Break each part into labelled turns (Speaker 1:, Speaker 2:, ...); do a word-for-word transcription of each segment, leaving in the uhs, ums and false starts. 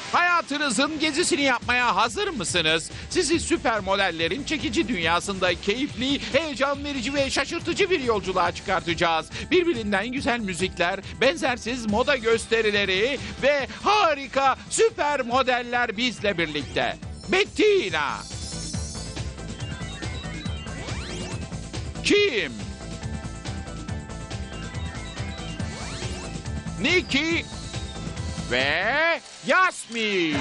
Speaker 1: Hayatınızın gezisini yapmaya hazır mısınız? Sizi süper modellerin çekici dünyasında keyifli, heyecan verici ve şaşırtıcı bir yolculuğa çıkartacağız. Birbirinden güzel müzikler, benzersiz moda gösterileri ve harika süper modeller bizle birlikte. Bettina, Kim, Nikki ve Yasmin.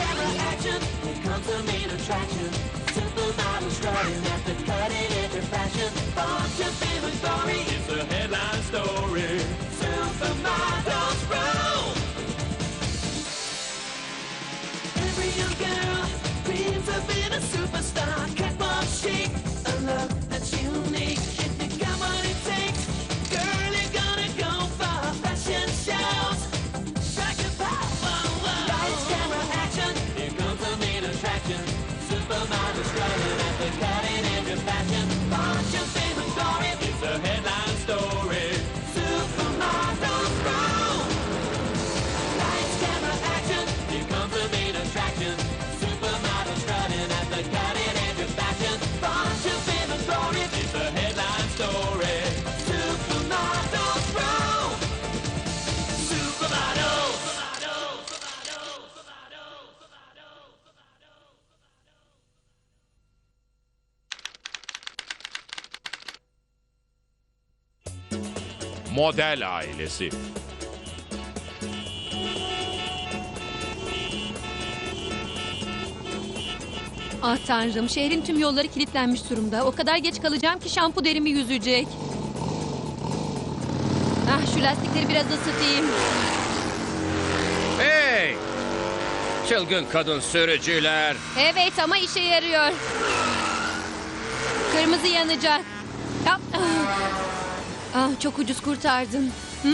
Speaker 1: Model ailesi.
Speaker 2: Ah tanrım, şehrin tüm yolları kilitlenmiş durumda. O kadar geç kalacağım ki şampu derimi yüzecek. Ah, şu lastikleri biraz ısıtayım.
Speaker 3: Hey! Çılgın kadın sürücüler.
Speaker 2: Evet ama işe yarıyor. Kırmızı yanacak. Ah, ah. Ah, çok ucuz kurtardın. Hı?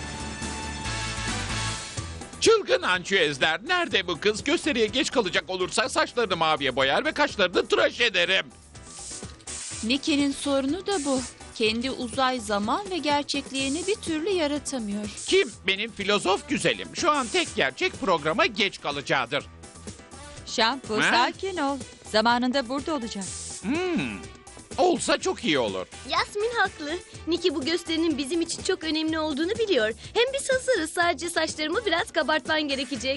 Speaker 1: Çılgın ançüezler. Nerede bu kız? Gösteriye geç kalacak olursa saçlarını maviye boyar ve kaşlarını tıraş ederim.
Speaker 4: Nicky'nin sorunu da bu. Kendi uzay, zaman ve gerçekliğini bir türlü yaratamıyor.
Speaker 1: Kim? Benim filozof güzelim. Şu an tek gerçek programa geç kalacağıdır.
Speaker 5: Şampu,
Speaker 1: Ha?
Speaker 5: sakin ol. Zamanında burada olacak.
Speaker 1: Hmm. Olsa çok iyi olur.
Speaker 6: Yasmin haklı. Nicky bu gösterinin bizim için çok önemli olduğunu biliyor. Hem biz hazırız. Sadece saçlarımı biraz kabartman gerekecek.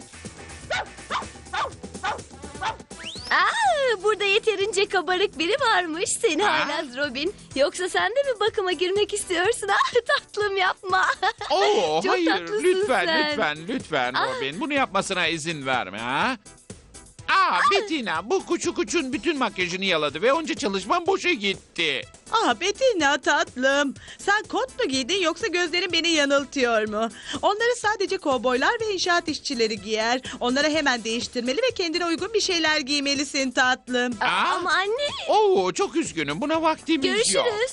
Speaker 6: Aa, burada yeterince kabarık biri varmış. Seni
Speaker 1: Ha?
Speaker 6: haylaz Robin. Yoksa sen de mi bakıma girmek istiyorsun? Ah, tatlım yapma.
Speaker 1: Oo,
Speaker 6: Çok
Speaker 1: hayır.
Speaker 6: tatlısın
Speaker 1: Lütfen,
Speaker 6: sen.
Speaker 1: lütfen, lütfen
Speaker 6: Ah.
Speaker 1: Robin. Bunu yapmasına izin verme ha. Aa, Bettina, bu kuçu kuçun bütün makyajını yaladı ve onca çalışmam boşa gitti.
Speaker 7: Ah Bettina tatlım. Sen kot mu giydin yoksa gözlerin beni yanıltıyor mu? Onları sadece kovboylar ve inşaat işçileri giyer. Onları hemen değiştirmeli ve kendine uygun bir şeyler giymelisin tatlım.
Speaker 6: Aa,
Speaker 1: Aa.
Speaker 6: ama anne.
Speaker 1: Oo, çok üzgünüm. Buna vaktimiz yok.
Speaker 6: Görüşürüz.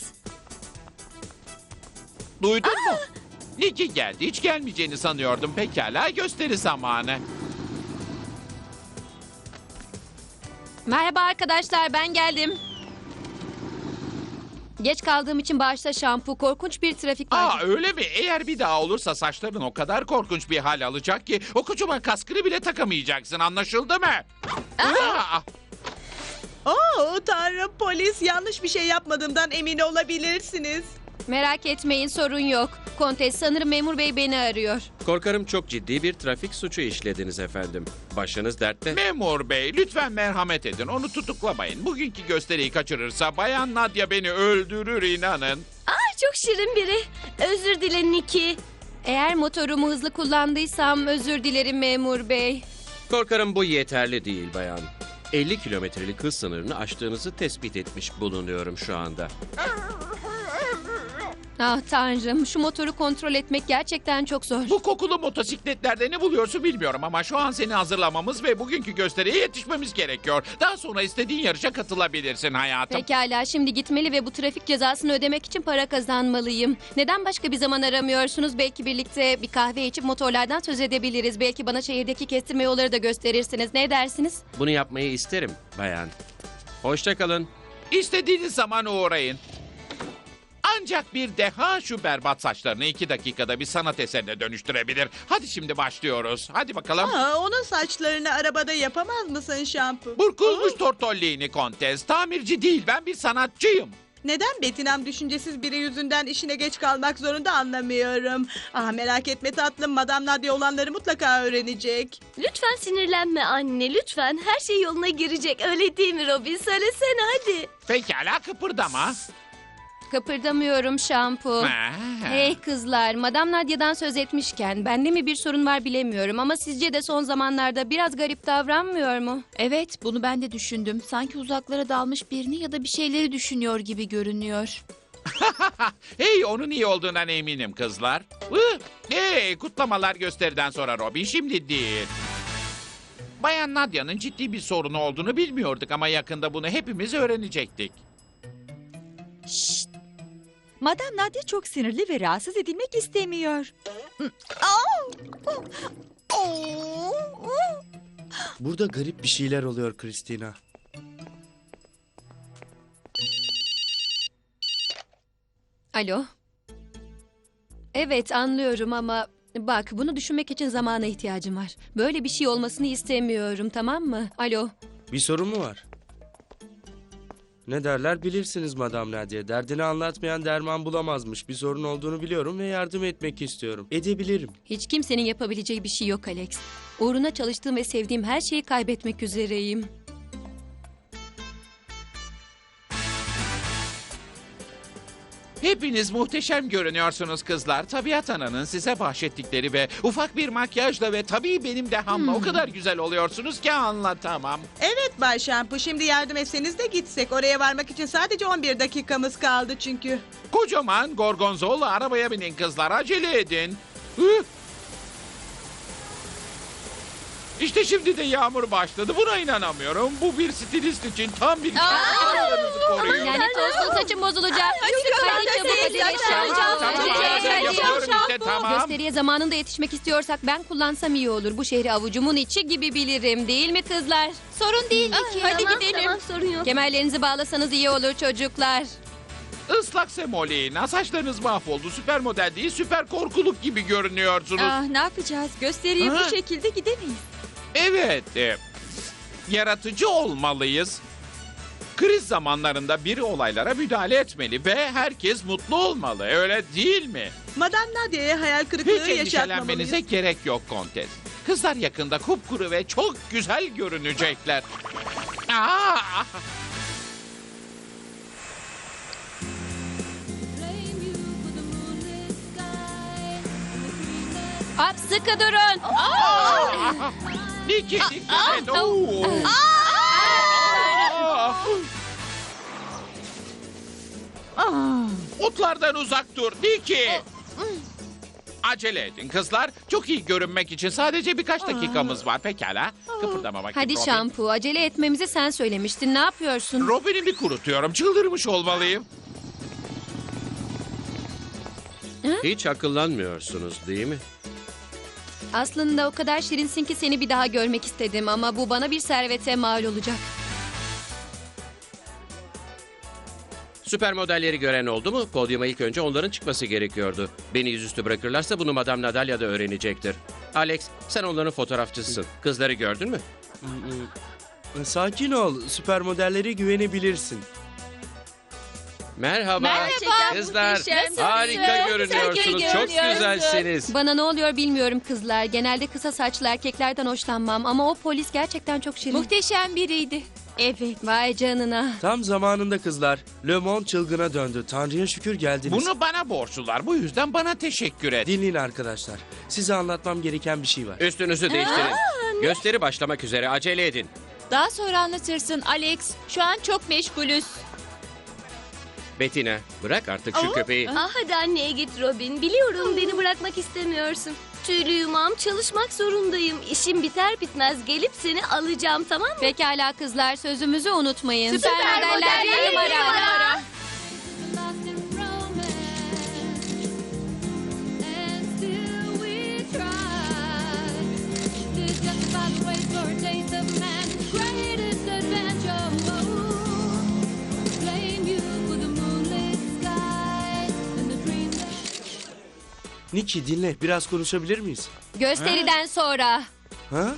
Speaker 1: Duydun mu? Nicky geldi. Hiç gelmeyeceğini sanıyordum. Pekala, gösteri zamanı.
Speaker 2: Merhaba arkadaşlar, ben geldim. Geç kaldığım için bağışla şampu. Korkunç bir trafik var.
Speaker 1: Aa, öyle mi? Eğer bir daha olursa saçların o kadar korkunç bir hal alacak ki o kocaman kaskını bile takamayacaksın. Anlaşıldı mı? Aa!
Speaker 7: Oo tanrım, polis, yanlış bir şey yapmadığımdan emin olabilirsiniz.
Speaker 2: Merak etmeyin, sorun yok. Kontes, sanırım memur bey beni arıyor.
Speaker 3: Korkarım çok ciddi bir trafik suçu işlediniz efendim. Başınız dertte.
Speaker 1: Memur bey, lütfen merhamet edin. Onu tutuklamayın. Bugünkü gösteriyi kaçırırsa Bayan Nadia beni öldürür, inanın.
Speaker 6: Aa, çok şirin biri. Özür dile Nicky.
Speaker 2: Eğer motorumu hızlı kullandıysam özür dilerim memur bey.
Speaker 3: Korkarım bu yeterli değil bayan. elli kilometrelik hız sınırını aştığınızı tespit etmiş bulunuyorum şu anda.
Speaker 2: Ah tanrım, şu motoru kontrol etmek gerçekten çok zor.
Speaker 1: Bu kokulu motosikletlerde ne buluyorsun bilmiyorum ama şu an seni hazırlamamız ve bugünkü gösteriye yetişmemiz gerekiyor. Daha sonra istediğin yarışa katılabilirsin hayatım.
Speaker 2: Pekala, şimdi gitmeli ve bu trafik cezasını ödemek için para kazanmalıyım. Neden başka bir zaman aramıyorsunuz? Belki birlikte bir kahve içip motorlardan söz edebiliriz. Belki bana şehirdeki kestirme yolları da gösterirsiniz. Ne dersiniz?
Speaker 3: Bunu yapmayı isterim bayan. Hoşça kalın.
Speaker 1: İstediğiniz zaman uğrayın. Ancak bir deha şu berbat saçlarını iki dakikada bir sanat eserine dönüştürebilir. Hadi şimdi başlıyoruz. Hadi bakalım.
Speaker 7: Aa, onun saçlarını arabada yapamaz mısın şampu?
Speaker 1: Burkulmuş tortollini kontes. Tamirci değil, ben bir sanatçıyım.
Speaker 7: Neden Betinam düşüncesiz biri yüzünden işine geç kalmak zorunda anlamıyorum. Ah merak etme tatlım, Madame Nadia olanları mutlaka öğrenecek.
Speaker 6: Lütfen sinirlenme anne, lütfen. Her şey yoluna girecek, öyle değil mi Robin? Söylesene hadi.
Speaker 1: Pekala, kıpırdama.
Speaker 2: Kıpırdamıyorum şampu.
Speaker 1: Ha.
Speaker 2: Hey kızlar, Madame Nadia'dan söz etmişken bende mi bir sorun var bilemiyorum ama sizce de son zamanlarda biraz garip davranmıyor mu?
Speaker 4: Evet, bunu ben de düşündüm. Sanki uzaklara dalmış birini ya da bir şeyleri düşünüyor gibi görünüyor.
Speaker 1: Hey, onun iyi olduğundan eminim kızlar. Hı, hey, kutlamalar gösteriden sonra Robin, şimdi değil. Bayan Nadia'nın ciddi bir sorunu olduğunu bilmiyorduk ama yakında bunu hepimiz öğrenecektik.
Speaker 5: Madame Nadia çok sinirli ve rahatsız edilmek istemiyor.
Speaker 8: Burada garip bir şeyler oluyor Christina.
Speaker 2: Alo. Evet anlıyorum ama bak bunu düşünmek için zamana ihtiyacım var. Böyle bir şey olmasını istemiyorum, tamam mı? Alo.
Speaker 8: Bir sorun mu var? Ne derler bilirsiniz Madame Nadia. Derdini anlatmayan derman bulamazmış. Bir sorun olduğunu biliyorum ve yardım etmek istiyorum. Edebilirim.
Speaker 2: Hiç kimsenin yapabileceği bir şey yok Alex. Uğruna çalıştığım ve sevdiğim her şeyi kaybetmek üzereyim.
Speaker 1: Hepiniz muhteşem görünüyorsunuz kızlar. Tabiat Ana'nın size bahşettikleri ve ufak bir makyajla ve tabii benim dehamla o kadar güzel oluyorsunuz ki anlatamam.
Speaker 7: Evet Bay Şampu, şimdi yardım etseniz de gitsek. Oraya varmak için sadece on bir dakikamız kaldı çünkü.
Speaker 1: Kocaman gorgonzola arabaya binin kızlar, acele edin. Hı? İşte şimdi de yağmur başladı. Buna inanamıyorum. Bu bir stilist için tam bir kendilerinizi koruyun.
Speaker 2: Lanet olsun, saçım bozulacak. Hadi çabuk hadi.
Speaker 1: Tamam, tamam,
Speaker 2: Hadi,
Speaker 1: ben
Speaker 2: hadi.
Speaker 1: yapıyorum işte, tamam.
Speaker 2: Gösteriye zamanında yetişmek istiyorsak ben kullansam iyi olur. Bu şehri avucumun içi gibi bilirim, değil mi kızlar? Sorun değil Niki. Hadi
Speaker 6: tamam,
Speaker 2: gidelim.
Speaker 6: Tamam, sorun yok.
Speaker 2: Kemerlerinizi bağlasanız iyi olur çocuklar.
Speaker 1: Islak semolina, saçlarınız mahvoldu. Süper model değil, süper korkuluk gibi görünüyorsunuz.
Speaker 5: Ah, ne yapacağız? Gösteriye
Speaker 1: Ha?
Speaker 5: bu şekilde gidemeyiz.
Speaker 1: Evet, e, yaratıcı olmalıyız. Kriz zamanlarında biri olaylara müdahale etmeli ve herkes mutlu olmalı, öyle değil mi?
Speaker 7: Madame Nadia'ya hayal kırıklığı
Speaker 1: Hiç
Speaker 7: yaşatmamalıyız.
Speaker 1: endişelenmenize gerek yok Kontes. Kızlar yakında kupkuru ve çok güzel görünecekler. Aa!
Speaker 2: Hop, sıkı durun.
Speaker 1: Niki, dikkat et. Oo! Aa! Otlardan uzak dur, Niki. Acele edin kızlar. Çok iyi görünmek için sadece birkaç dakikamız var. Pekala. Kıpırdama bakayım
Speaker 2: Hadi
Speaker 1: Robin.
Speaker 2: şampu, acele etmemizi sen söylemiştin. Ne yapıyorsun?
Speaker 1: Robin'imi kurutuyorum. Çıldırmış olmalıyım.
Speaker 3: Hiç akıllanmıyorsunuz değil mi?
Speaker 2: Aslında o kadar şirinsin ki seni bir daha görmek istedim ama bu bana bir servete mal olacak.
Speaker 3: Süper modelleri gören oldu mu? Podyuma ilk önce onların çıkması gerekiyordu. Beni yüzüstü bırakırlarsa bunu Madame Nadalia da öğrenecektir. Alex, sen onların fotoğrafçısısın. Kızları gördün mü?
Speaker 8: Sakin ol. Süper modellere güvenebilirsin.
Speaker 3: Merhaba.
Speaker 6: Gerçekten
Speaker 3: Kızlar,
Speaker 6: muhteşemsiniz.
Speaker 3: harika
Speaker 6: Çok
Speaker 3: görünüyorsunuz.
Speaker 6: iyi
Speaker 3: Çok
Speaker 6: görünüyorsun.
Speaker 3: güzelsiniz.
Speaker 2: Bana ne oluyor bilmiyorum kızlar. Genelde kısa saçlı erkeklerden hoşlanmam ama o polis gerçekten çok şirin.
Speaker 4: Muhteşem biriydi. Evet.
Speaker 2: Vay canına.
Speaker 8: Tam zamanında kızlar. Le Monde çılgına döndü. Tanrı'ya şükür geldiniz.
Speaker 1: Bunu bana borçlular. Bu yüzden bana teşekkür et.
Speaker 8: Dinleyin arkadaşlar. Size anlatmam gereken bir şey var.
Speaker 3: Üstünüzü değiştirin. Gösteri başlamak üzere. Acele edin.
Speaker 4: Daha sonra anlatırsın Alex. Şu an çok meşgulüz.
Speaker 3: Bettina, bırak artık şu köpeği.
Speaker 6: Ah hadi anneye git Robin. Biliyorum beni bırakmak istemiyorsun. Tüylü yumağım, çalışmak zorundayım. İşim biter bitmez gelip seni alacağım, tamam mı?
Speaker 2: Pekala kızlar, sözümüzü unutmayın.
Speaker 6: Süper modeller bir numara.
Speaker 8: Niki dinle, biraz konuşabilir miyiz?
Speaker 2: Gösteriden sonra.
Speaker 8: Ha?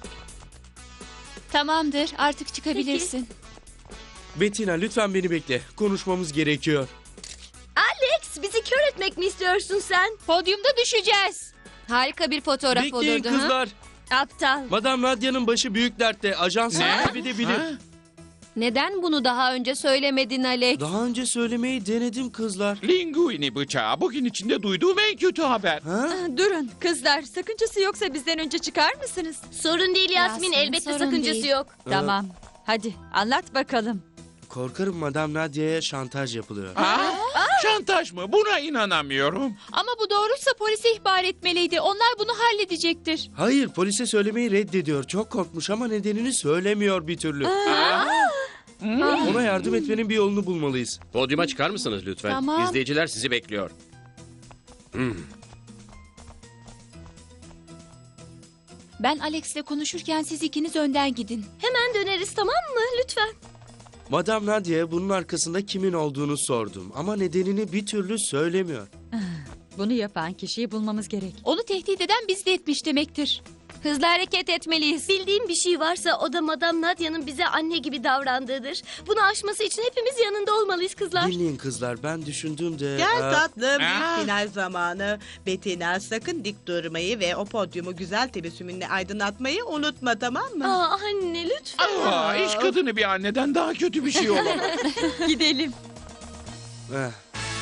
Speaker 4: Tamamdır, artık çıkabilirsin.
Speaker 8: Bettina lütfen beni bekle. Konuşmamız gerekiyor.
Speaker 6: Alex, bizi kör etmek mi istiyorsun sen?
Speaker 4: Podyumda düşeceğiz.
Speaker 2: Harika bir fotoğraf
Speaker 8: Bekleyin
Speaker 2: olurdu. ha?
Speaker 8: kızlar.
Speaker 6: Aptal.
Speaker 8: Madame Nadia'nın başı büyük dertte. Ajans kaybedebilir.
Speaker 1: Ha?
Speaker 2: Neden bunu daha önce söylemedin Alex?
Speaker 8: Daha önce söylemeyi denedim kızlar.
Speaker 1: Linguini bıçağı bugün içinde duyduğum en kötü haber.
Speaker 8: Ha?
Speaker 5: Durun kızlar, sakıncası yoksa bizden önce çıkar mısınız?
Speaker 6: Sorun değil Yasmin,
Speaker 2: Yasmin,
Speaker 6: elbette
Speaker 2: sorun
Speaker 6: sakıncası
Speaker 2: değil.
Speaker 6: yok.
Speaker 5: Tamam. Hadi anlat bakalım.
Speaker 8: Korkarım Madame Nadia'ya şantaj yapılıyor.
Speaker 1: Aa, şantaj mı? Buna inanamıyorum.
Speaker 4: Ama bu doğruysa polise ihbar etmeliydi. Onlar bunu halledecektir.
Speaker 8: Hayır, polise söylemeyi reddediyor. Çok korkmuş ama nedenini söylemiyor bir türlü. Ona yardım etmenin bir yolunu bulmalıyız.
Speaker 3: Podyuma çıkar mısınız lütfen?
Speaker 4: Tamam.
Speaker 3: İzleyiciler sizi bekliyor.
Speaker 4: Ben Alex'le konuşurken siz ikiniz önden gidin.
Speaker 6: Hemen döneriz, tamam mı? Lütfen.
Speaker 8: Madame Nadia'ya bunun arkasında kimin olduğunu sordum. Ama nedenini bir türlü söylemiyor.
Speaker 5: Bunu yapan kişiyi bulmamız gerek.
Speaker 4: Onu tehdit eden bizi de etmiş demektir.
Speaker 2: Hızlı hareket etmeliyiz.
Speaker 6: Bildiğim bir şey varsa o da Madame Nadia'nın bize anne gibi davrandığıdır. Bunu aşması için hepimiz yanında olmalıyız kızlar.
Speaker 8: Dinleyin kızlar, ben düşündüğümde...
Speaker 7: Gel
Speaker 8: e,
Speaker 7: tatlım,
Speaker 1: Aa.
Speaker 7: büyük final zamanı. Bettina sakın dik durmayı ve o podyumu güzel tebessümünle aydınlatmayı unutma, tamam mı?
Speaker 6: Aa, anne lütfen.
Speaker 1: Aa, iş kadını bir anneden daha kötü bir şey olamaz.
Speaker 5: Gidelim.
Speaker 8: eh.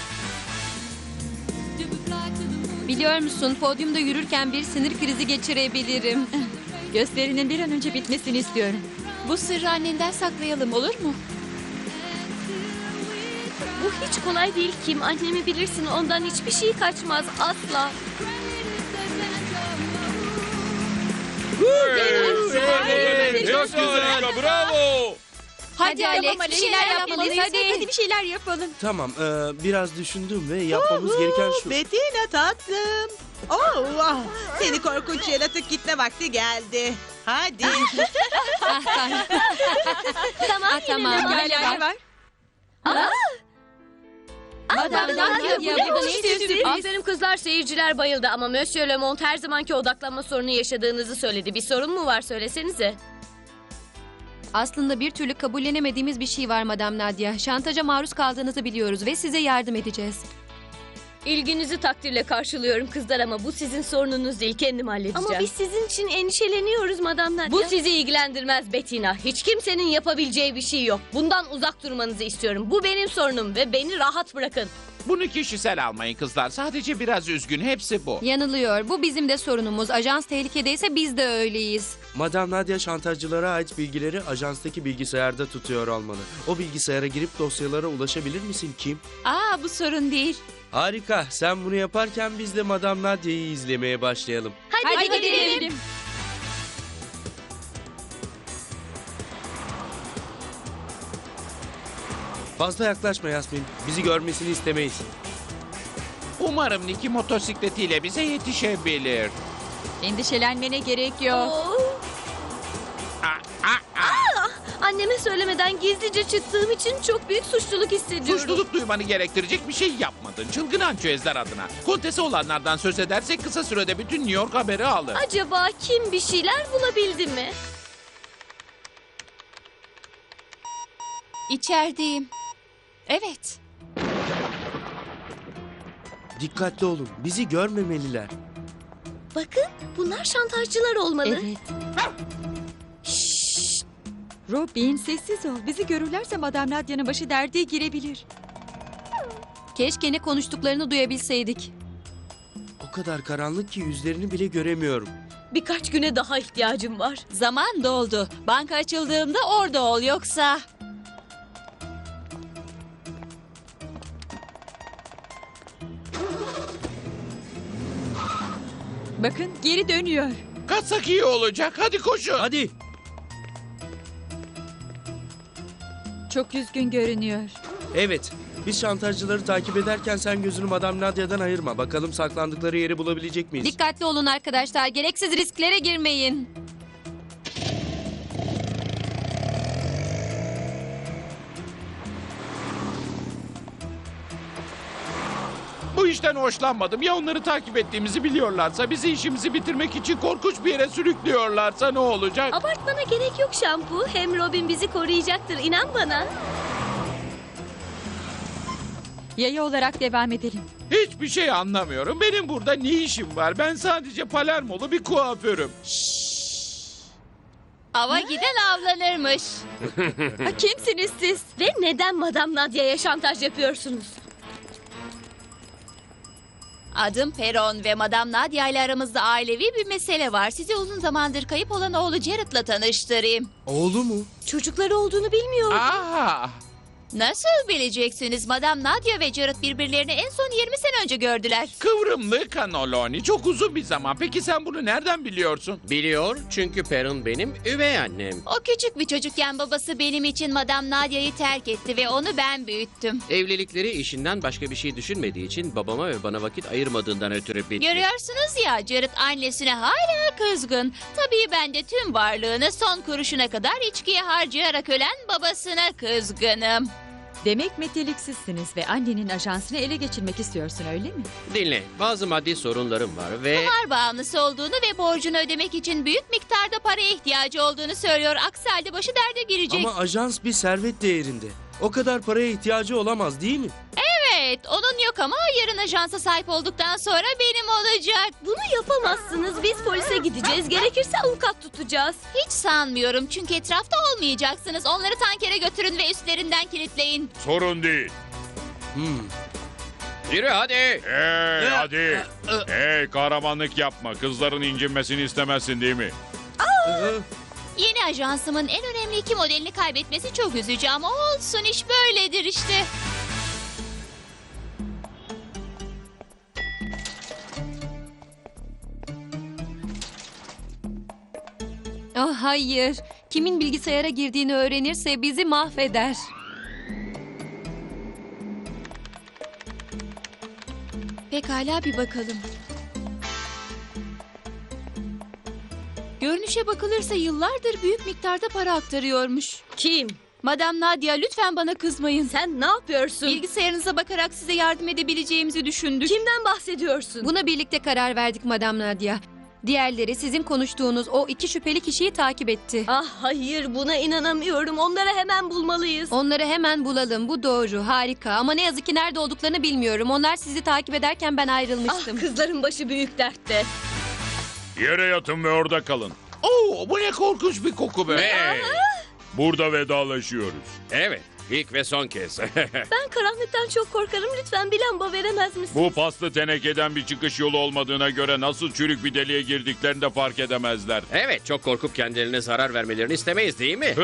Speaker 2: Biliyor musun, podyumda yürürken bir sinir krizi geçirebilirim.
Speaker 5: Gösterinin bir an önce bitmesini istiyorum.
Speaker 4: Bu sırrı annenden saklayalım, olur mu?
Speaker 6: Bu hiç kolay değil Kim. Annemi bilirsin, ondan hiçbir şey kaçmaz asla.
Speaker 1: Evet, çok güzel. Bravo.
Speaker 2: Hadi,
Speaker 4: Hadi
Speaker 2: Alex,
Speaker 4: Alex,
Speaker 2: bir şeyler yapmalıyız. Hadi.
Speaker 5: Hadi bir şeyler yapalım.
Speaker 8: Tamam, e, biraz düşündüm ve yapmamız gereken şu...
Speaker 7: Bettina tatlım. Oh, ah, seni korkunç yaratık, gitme vakti geldi. Hadi.
Speaker 2: Ah, Tanrım.
Speaker 6: Tamam,
Speaker 2: Ah, tamam.
Speaker 6: yine de
Speaker 2: Gel,
Speaker 5: Neler
Speaker 2: gel.
Speaker 5: var?
Speaker 2: Madame Nadia,
Speaker 6: Ya,
Speaker 2: burada
Speaker 6: bu
Speaker 2: ne
Speaker 6: işte
Speaker 2: istiyorsunuz?
Speaker 6: Aferin kızlar, seyirciler bayıldı ama Monsieur Lemont her zamanki odaklanma sorunu yaşadığınızı söyledi. Bir sorun mu var, söylesenize.
Speaker 2: Aslında bir türlü kabullenemediğimiz bir şey var Madame Nadia. Şantaja maruz kaldığınızı biliyoruz ve size yardım edeceğiz.
Speaker 6: İlginizi takdirle karşılıyorum kızlar ama bu sizin sorununuz değil, kendim halledeceğim. Ama biz sizin için endişeleniyoruz Madame Nadia. Bu sizi ilgilendirmez Bettina. Hiç kimsenin yapabileceği bir şey yok. Bundan uzak durmanızı istiyorum. Bu benim sorunum ve beni rahat bırakın.
Speaker 1: Bunu kişisel almayın kızlar. Sadece biraz üzgün. Hepsi bu.
Speaker 2: Yanılıyor. Bu bizim de sorunumuz. Ajans tehlikedeyse biz de öyleyiz.
Speaker 8: Madame Nadia şantajcılara ait bilgileri ajanstaki bilgisayarda tutuyor olmalı. O bilgisayara girip dosyalara ulaşabilir misin Kim?
Speaker 4: Aa, bu sorun değil.
Speaker 8: Harika. Sen bunu yaparken biz de Madame Nadia'yı izlemeye başlayalım.
Speaker 6: Hadi,
Speaker 4: Hadi
Speaker 6: gidelim.
Speaker 4: gidelim.
Speaker 8: Fazla yaklaşma Yasmin. Bizi görmesini istemeyiz.
Speaker 1: Umarım Niki motosikletiyle bize yetişebilir.
Speaker 5: Endişelenmene gerek yok.
Speaker 6: Oo.
Speaker 1: Aa, aa, aa.
Speaker 6: Anneme söylemeden gizlice çıktığım için çok büyük suçluluk hissediyorum.
Speaker 1: Suçluluk duymanı gerektirecek bir şey yapmadın. Çılgın ançüezler adına. Kontesi olanlardan söz edersek kısa sürede bütün New York haberi alır.
Speaker 6: Acaba kim bir şeyler bulabildi mi?
Speaker 4: İçerideyim. Evet.
Speaker 8: Dikkatli olun. Bizi görmemeliler.
Speaker 6: Bakın, bunlar şantajcılar olmalı.
Speaker 5: Evet. Robin sessiz ol. Bizi görürlerse Madame Nadia'nın başı derde girebilir.
Speaker 2: Keşke ne konuştuklarını duyabilseydik.
Speaker 8: O kadar karanlık ki yüzlerini bile göremiyorum.
Speaker 6: Birkaç güne daha ihtiyacım var.
Speaker 4: Zaman doldu. Banka açıldığında orada ol, yoksa...
Speaker 5: Bakın geri dönüyor.
Speaker 1: Kaçsak iyi olacak. Hadi koşun.
Speaker 8: Hadi.
Speaker 5: Çok üzgün görünüyor.
Speaker 8: Evet. Biz şantajcıları takip ederken sen gözünü Madame Nadia'dan ayırma. Bakalım saklandıkları yeri bulabilecek miyiz?
Speaker 2: Dikkatli olun arkadaşlar. Gereksiz risklere girmeyin.
Speaker 1: Bu Bu işten hoşlanmadım. Ya onları takip ettiğimizi biliyorlarsa, bizi işimizi bitirmek için korkunç bir yere sürüklüyorlarsa ne olacak?
Speaker 6: Abartmana gerek yok Şampu. Hem Robin bizi koruyacaktır, inan bana.
Speaker 5: Yaya olarak devam edelim.
Speaker 1: Hiçbir şey anlamıyorum. Benim burada ne işim var? Ben sadece Palermolu bir kuaförüm.
Speaker 4: Ava giden avlanırmış.
Speaker 5: Ha, kimsiniz siz?
Speaker 6: Ve neden Madame Nadia'ya şantaj yapıyorsunuz?
Speaker 4: Adım Peron ve Madame Nadia ile aramızda ailevi bir mesele var. Sizi uzun zamandır kayıp olan oğlu Jared'la tanıştırayım.
Speaker 8: Oğlu mu?
Speaker 6: Çocukları olduğunu bilmiyorum.
Speaker 1: Aa,
Speaker 4: Nasıl bileceksiniz? Madame Nadia ve Jared birbirlerini en son yirmi sene önce gördüler.
Speaker 1: kıvrımlı kanoloni. Çok uzun bir zaman. Peki sen bunu nereden biliyorsun?
Speaker 3: Biliyor çünkü Perun benim üvey annem.
Speaker 4: O küçük bir çocukken babası benim için Madame Nadia'yı terk etti ve onu ben büyüttüm.
Speaker 3: Evlilikleri işinden başka bir şey düşünmediği için babama ve bana vakit ayırmadığından ötürü bitti.
Speaker 4: Görüyorsunuz ya, Jared annesine hala kızgın. Tabii ben de tüm varlığını son kuruşuna kadar içkiye harcayarak ölen babasına kızgınım.
Speaker 5: Demek meteliksizsiniz ve annenin ajansını ele geçirmek istiyorsun öyle mi?
Speaker 3: Dinle, bazı maddi sorunlarım var ve...
Speaker 4: Kumar bağımlısı olduğunu ve borcunu ödemek için büyük miktarda paraya ihtiyacı olduğunu söylüyor. Aksi halde başı derde girecek.
Speaker 8: Ama ajans bir servet değerinde. O kadar paraya ihtiyacı olamaz değil mi?
Speaker 4: Evet, onun yok ama yarın ajansa sahip olduktan sonra benim olacak.
Speaker 6: Bunu yapamazsınız. Biz polise gideceğiz. Gerekirse avukat tutacağız.
Speaker 4: Hiç sanmıyorum çünkü etrafta olmayacaksınız. Onları tankere götürün ve üstlerinden kilitleyin.
Speaker 9: Sorun değil.
Speaker 8: Hmm.
Speaker 3: Yürü hadi!
Speaker 9: Hey hadi. Hey kahramanlık yapma. Kızların incinmesini istemezsin değil mi?
Speaker 8: Ee,
Speaker 4: Yeni ajansımın en önemli iki modelini kaybetmesi çok üzücü ama olsun, iş böyledir işte.
Speaker 2: Oh hayır. Kimin bilgisayara girdiğini öğrenirse bizi mahveder.
Speaker 4: Pekala, bir bakalım. Görünüşe bakılırsa yıllardır büyük miktarda para aktarıyormuş.
Speaker 6: Kim?
Speaker 4: Madame Nadia, lütfen bana kızmayın.
Speaker 6: Sen ne yapıyorsun?
Speaker 4: Bilgisayarınıza bakarak size yardım edebileceğimizi düşündük.
Speaker 6: Kimden bahsediyorsun?
Speaker 2: Buna birlikte karar verdik Madame Nadia. Diğerleri sizin konuştuğunuz o iki şüpheli kişiyi takip etti.
Speaker 6: Ah hayır, buna inanamıyorum. Onları hemen bulmalıyız.
Speaker 2: Onları hemen bulalım. Bu doğru. Harika. Ama ne yazık ki nerede olduklarını bilmiyorum. Onlar sizi takip ederken ben
Speaker 6: Ah,
Speaker 2: ayrılmıştım.
Speaker 6: kızların başı büyük dertte.
Speaker 9: Yere yatın ve orada kalın.
Speaker 1: Oo, bu ne korkunç bir koku be.
Speaker 3: Hey!
Speaker 9: Burada vedalaşıyoruz.
Speaker 3: Evet, ilk ve son kez.
Speaker 6: Ben karanlıktan çok korkarım. Lütfen bir lamba veremez misin?
Speaker 9: Bu paslı tenekeden bir çıkış yolu olmadığına göre nasıl çürük bir deliğe girdiklerini de fark edemezler.
Speaker 3: Evet, çok korkup kendilerine zarar vermelerini istemeyiz değil mi?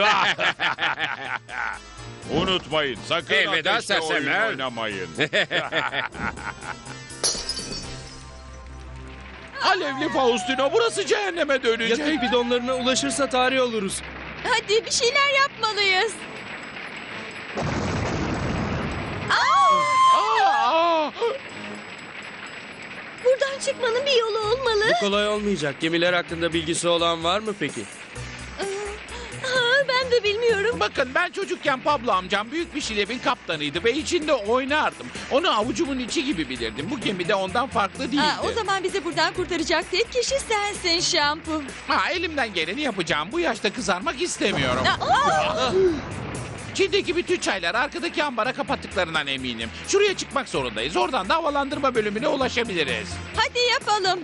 Speaker 9: Unutmayın, sakın
Speaker 3: Elveda
Speaker 9: ateşle oyun
Speaker 3: sersemler.
Speaker 9: oynamayın.
Speaker 1: Alevli Faustino, burası cehenneme dönecek.
Speaker 8: yakıt bidonlarına ulaşırsa tarih oluruz.
Speaker 4: Hadi bir şeyler yapmalıyız.
Speaker 1: Aa!
Speaker 6: Buradan çıkmanın bir yolu olmalı.
Speaker 8: Bu kolay olmayacak. Gemiler hakkında bilgisi olan var mı peki?
Speaker 6: Aa, ben de bilmiyorum.
Speaker 1: Bakın, ben çocukken Pablo amcam büyük bir şilebin kaptanıydı ve içinde oynardım. Onu avucumun içi gibi bilirdim. Bu gemi de ondan farklı değildi.
Speaker 5: Ha, o zaman bizi buradan kurtaracak tek kişi sensin Şampu.
Speaker 1: Ha, elimden geleni yapacağım. Bu yaşta kızarmak istemiyorum. Çin'deki bütün çayları arkadaki ambara kapattıklarından eminim. Şuraya çıkmak zorundayız. Oradan da havalandırma bölümüne ulaşabiliriz.
Speaker 5: Hadi yapalım.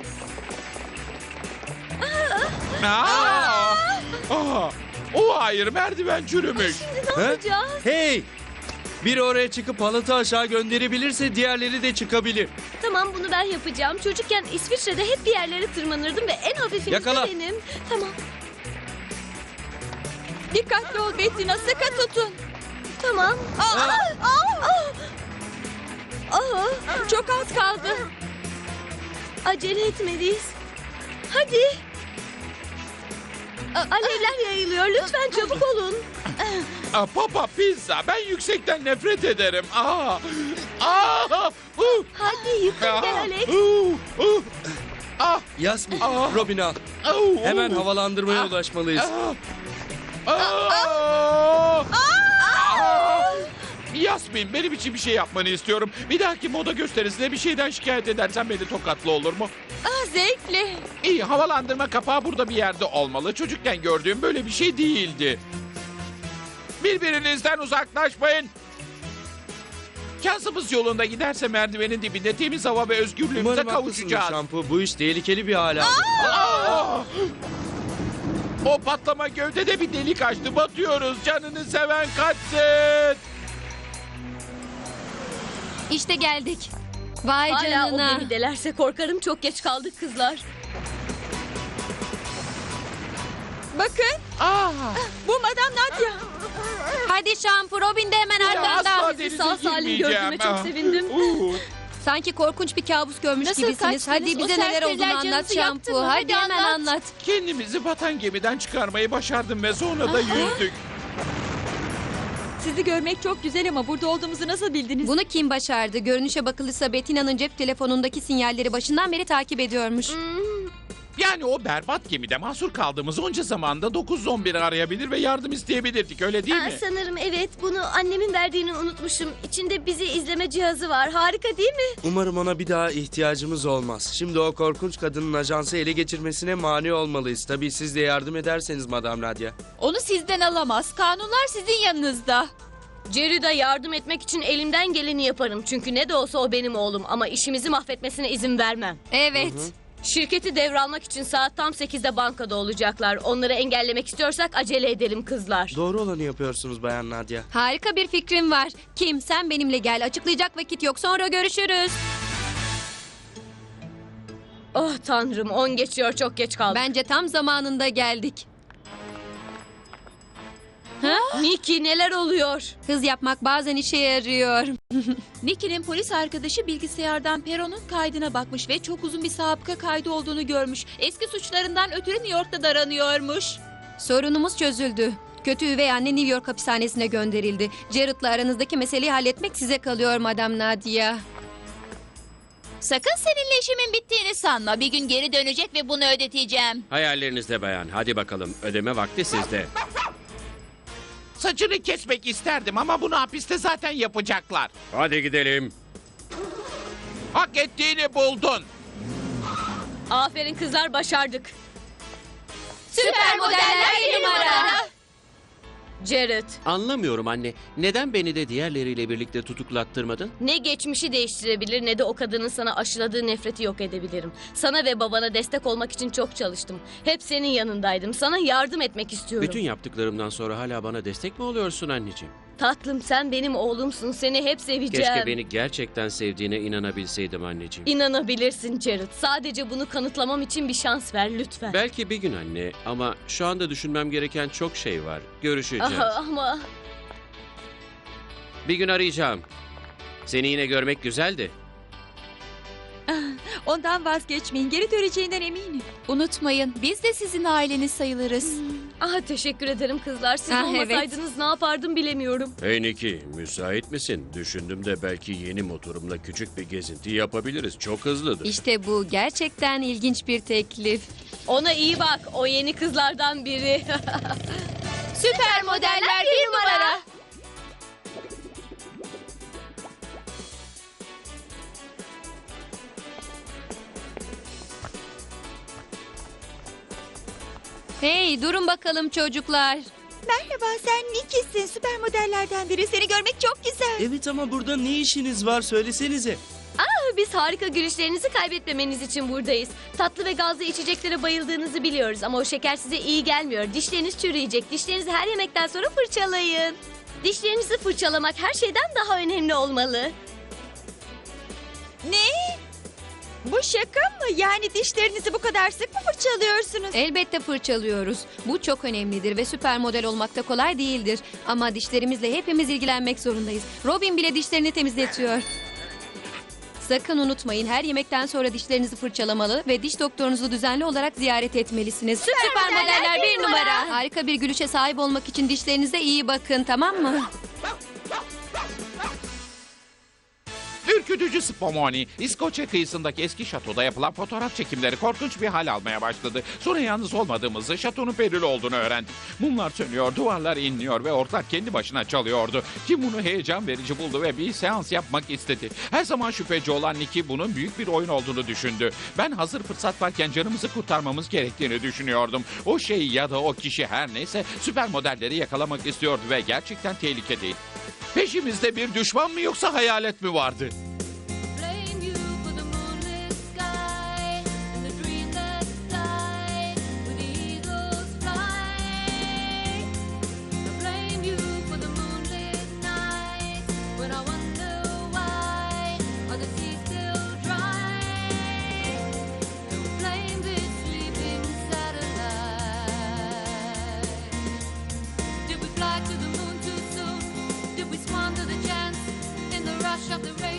Speaker 1: Aa! Aa! O hayır, merdiven çürümüş.
Speaker 6: Ne yapacağız?
Speaker 8: Hey! Biri oraya çıkıp halatı aşağı gönderebilirse diğerleri de çıkabilir.
Speaker 6: Tamam, bunu ben yapacağım. Çocukken İsviçre'de hep bir yerlere tırmanırdım ve en hafifiniz
Speaker 8: Yakala.
Speaker 6: de benim. Tamam.
Speaker 5: Dikkatli ol Bettina, sıkı tutun.
Speaker 6: Tamam.
Speaker 5: Aa, aa, çok az kaldı.
Speaker 6: Acele etmeliyiz. Hadi. Alevler yayılıyor. Lütfen çabuk olun.
Speaker 1: Aa, Papa Pizza, ben yüksekten nefret ederim. Aa! Aa! Uh!
Speaker 6: Hadi yukarı gel Alex.
Speaker 1: Uh! Uh! Ah!
Speaker 8: Yasmin,
Speaker 1: Aa.
Speaker 8: Robin al.
Speaker 1: Oh!
Speaker 8: Hemen havalandırmaya
Speaker 1: Ah.
Speaker 8: ulaşmalıyız.
Speaker 1: Aa! Aa! Aa! Yasmin, benim için bir şey yapmanı istiyorum. Bir dahaki moda gösterisinde bir şeyden şikayet edersen beni tokatlı olur mu?
Speaker 5: Ah, zevkle.
Speaker 1: İyi, havalandırma kapağı burada bir yerde olmalı. Çocukken gördüğüm böyle bir şey değildi. Birbirinizden uzaklaşmayın. Şansımız yolunda giderse merdivenin dibinde temiz hava ve özgürlüğümüze
Speaker 8: Umarım haklısındır
Speaker 1: kavuşacağız.
Speaker 8: şampu. Bu iş tehlikeli bir hale aldı.
Speaker 1: Aa! O patlama gövdede bir delik açtı. Batıyoruz. Canını seven kaçsın.
Speaker 2: İşte geldik. Vay
Speaker 6: Hala o
Speaker 2: canına.
Speaker 6: gemidelerse korkarım çok geç kaldık kızlar.
Speaker 5: Bakın,
Speaker 1: Aa!
Speaker 5: bu Madame Nadia.
Speaker 2: Hadi şampu, Robin de hemen
Speaker 1: Ya
Speaker 2: arkanda.
Speaker 1: asla
Speaker 6: Sizi
Speaker 1: denize
Speaker 6: sağ salim
Speaker 1: girmeyeceğim.
Speaker 6: gördüğüme çok
Speaker 1: Ah.
Speaker 6: sevindim.
Speaker 1: Uuu.
Speaker 2: Sanki korkunç bir kabus görmüş
Speaker 4: Nasıl
Speaker 2: gibisiniz. Hadi
Speaker 4: kaçtınız?
Speaker 2: bize
Speaker 4: O
Speaker 2: neler olduğunu
Speaker 4: serseriler
Speaker 2: anlat
Speaker 4: canınızı yaktı
Speaker 2: şampu.
Speaker 4: mı?
Speaker 2: Hadi
Speaker 4: Hadi
Speaker 2: hemen
Speaker 4: anlat.
Speaker 2: anlat.
Speaker 1: Kendimizi batan gemiden çıkarmayı başardım ve sonra da yüzdük.
Speaker 5: Sizi görmek çok güzel ama burada olduğumuzu nasıl bildiniz?
Speaker 2: Bunu kim başardı? Görünüşe bakılırsa Bettina'nın cep telefonundaki sinyalleri başından beri takip ediyormuş.
Speaker 1: Yani o berbat gemide mahsur kaldığımız onca zamanda dokuz on biri arayabilir ve yardım isteyebilirdik, öyle değil
Speaker 6: Aa,
Speaker 1: mi?
Speaker 6: sanırım evet. Bunu annemin verdiğini unutmuşum. İçinde bizi izleme cihazı var. Harika değil mi?
Speaker 8: Umarım ona bir daha ihtiyacımız olmaz. Şimdi o korkunç kadının ajansı ele geçirmesine mani olmalıyız. Tabii siz de yardım ederseniz Madame Nadia.
Speaker 4: Onu sizden alamaz. Kanunlar sizin yanınızda.
Speaker 6: Jerry'de yardım etmek için elimden geleni yaparım. Çünkü ne de olsa o benim oğlum. Ama işimizi mahvetmesine izin vermem.
Speaker 2: Evet.
Speaker 6: Şirketi devralmak için saat tam sekizde bankada olacaklar. Onları engellemek istiyorsak acele edelim kızlar.
Speaker 8: Doğru olanı yapıyorsunuz Bayan Nadia.
Speaker 2: Harika bir fikrim var. Kim, sen benimle gel. Açıklayacak vakit yok. Sonra görüşürüz.
Speaker 6: Oh tanrım, on geçiyor, çok geç kaldık.
Speaker 2: Bence tam zamanında geldik.
Speaker 6: Nicky, neler oluyor?
Speaker 2: Hız yapmak bazen işe yarıyor.
Speaker 4: Nicky'nin polis arkadaşı bilgisayardan Peron'un kaydına bakmış ve çok uzun bir sabıka kaydı olduğunu görmüş. Eski suçlarından ötürü New York'ta daranıyormuş.
Speaker 2: Sorunumuz çözüldü. Kötü üvey anne New York hapishanesine gönderildi. Jared'la aranızdaki meseleyi halletmek size kalıyor Madame Nadia.
Speaker 4: Sakın seninle işimin bittiğini sanma. Bir gün geri dönecek ve bunu ödeteceğim.
Speaker 3: Hayallerinizde bayan. Hadi bakalım. Ödeme vakti sizde.
Speaker 1: Saçını kesmek isterdim ama bunu hapiste zaten yapacaklar.
Speaker 3: Hadi gidelim.
Speaker 1: Hak ettiğini buldun.
Speaker 6: Aferin kızlar, başardık.
Speaker 4: Süper modeller bir numara.
Speaker 6: Jared,
Speaker 3: Anlamıyorum anne. Neden beni de diğerleriyle birlikte tutuklattırmadın?
Speaker 6: ne geçmişi değiştirebilir ne de o kadının sana aşıladığı nefreti yok edebilirim. Sana ve babana destek olmak için çok çalıştım. Hep senin yanındaydım. Sana yardım etmek istiyorum.
Speaker 3: Bütün yaptıklarımdan sonra hala bana destek mi oluyorsun anneciğim?
Speaker 6: Tatlım, sen benim oğlumsun. Seni hep seveceğim.
Speaker 3: Keşke beni gerçekten sevdiğine inanabilseydim anneciğim.
Speaker 6: İnanabilirsin Jared. Sadece bunu kanıtlamam için bir şans ver lütfen.
Speaker 3: Belki bir gün anne ama şu anda düşünmem gereken çok şey var. Görüşeceğiz.
Speaker 6: Aha, ama
Speaker 3: Bir gün arayacağım. Seni yine görmek güzeldi.
Speaker 5: Ondan vazgeçmeyin. Geri döneceğinden eminim.
Speaker 4: Unutmayın, biz de sizin aileniz sayılırız.
Speaker 6: ah, teşekkür ederim kızlar. Siz
Speaker 2: Ah,
Speaker 6: olmasaydınız ne yapardım bilemiyorum.
Speaker 3: Hey Nicky, müsait misin? Düşündüm de belki yeni motorumla küçük bir gezinti yapabiliriz. Çok hızlıdır.
Speaker 2: İşte bu gerçekten ilginç bir teklif.
Speaker 6: Ona iyi bak. O yeni kızlardan biri.
Speaker 4: Süper modeller bir numara.
Speaker 2: Hey, durun bakalım çocuklar.
Speaker 5: Merhaba, sen Nicky'sin. Süper modellerden biri. Seni görmek çok güzel.
Speaker 8: Evet ama burada ne işiniz var söylesenize.
Speaker 6: Biz harika gülüşlerinizi kaybetmemeniz için buradayız. Tatlı ve gazlı içeceklere bayıldığınızı biliyoruz ama o şeker size iyi gelmiyor. Dişleriniz çürüyecek. Dişlerinizi her yemekten sonra fırçalayın. Dişlerinizi fırçalamak her şeyden daha önemli olmalı.
Speaker 5: Ne? Bu şaka mı? Yani dişlerinizi bu kadar sık mı fırçalıyorsunuz?
Speaker 2: Elbette fırçalıyoruz. Bu çok önemlidir ve süper model olmak da kolay değildir. Ama dişlerimizle hepimiz ilgilenmek zorundayız. Robin bile dişlerini temizletiyor. Sakın unutmayın, her yemekten sonra dişlerinizi fırçalamalı ve diş doktorunuzu düzenli olarak ziyaret etmelisiniz. Süper, modeller bir numara. Harika bir gülüşe sahip olmak için dişlerinize iyi bakın, tamam mı?
Speaker 1: Ürkütücü Spumoni, İskoçya kıyısındaki eski şatoda yapılan fotoğraf çekimleri korkunç bir hal almaya başladı. Sonra yalnız olmadığımızı, şatonun perili olduğunu öğrendik. Mumlar sönüyor, duvarlar inliyor ve ortak kendi başına çalıyordu. Kim bunu heyecan verici buldu ve bir seans yapmak istedi. Her zaman şüpheci olan Nicky bunun büyük bir oyun olduğunu düşündü. Ben hazır fırsat varken canımızı kurtarmamız gerektiğini düşünüyordum. O şey ya da o kişi her neyse süper modelleri yakalamak istiyordu ve gerçekten tehlikedeydi. Peşimizde bir düşman mı yoksa hayalet mi vardı?
Speaker 10: Blame you for the moonlit sky and the dream that died with the eagles fly. Blame you for the moonlit nights when I wonder why are the seas still dry. Blame this sleeping satellite. Did we fly to the moon too soon? Did we squander the chance in the rush of the rain?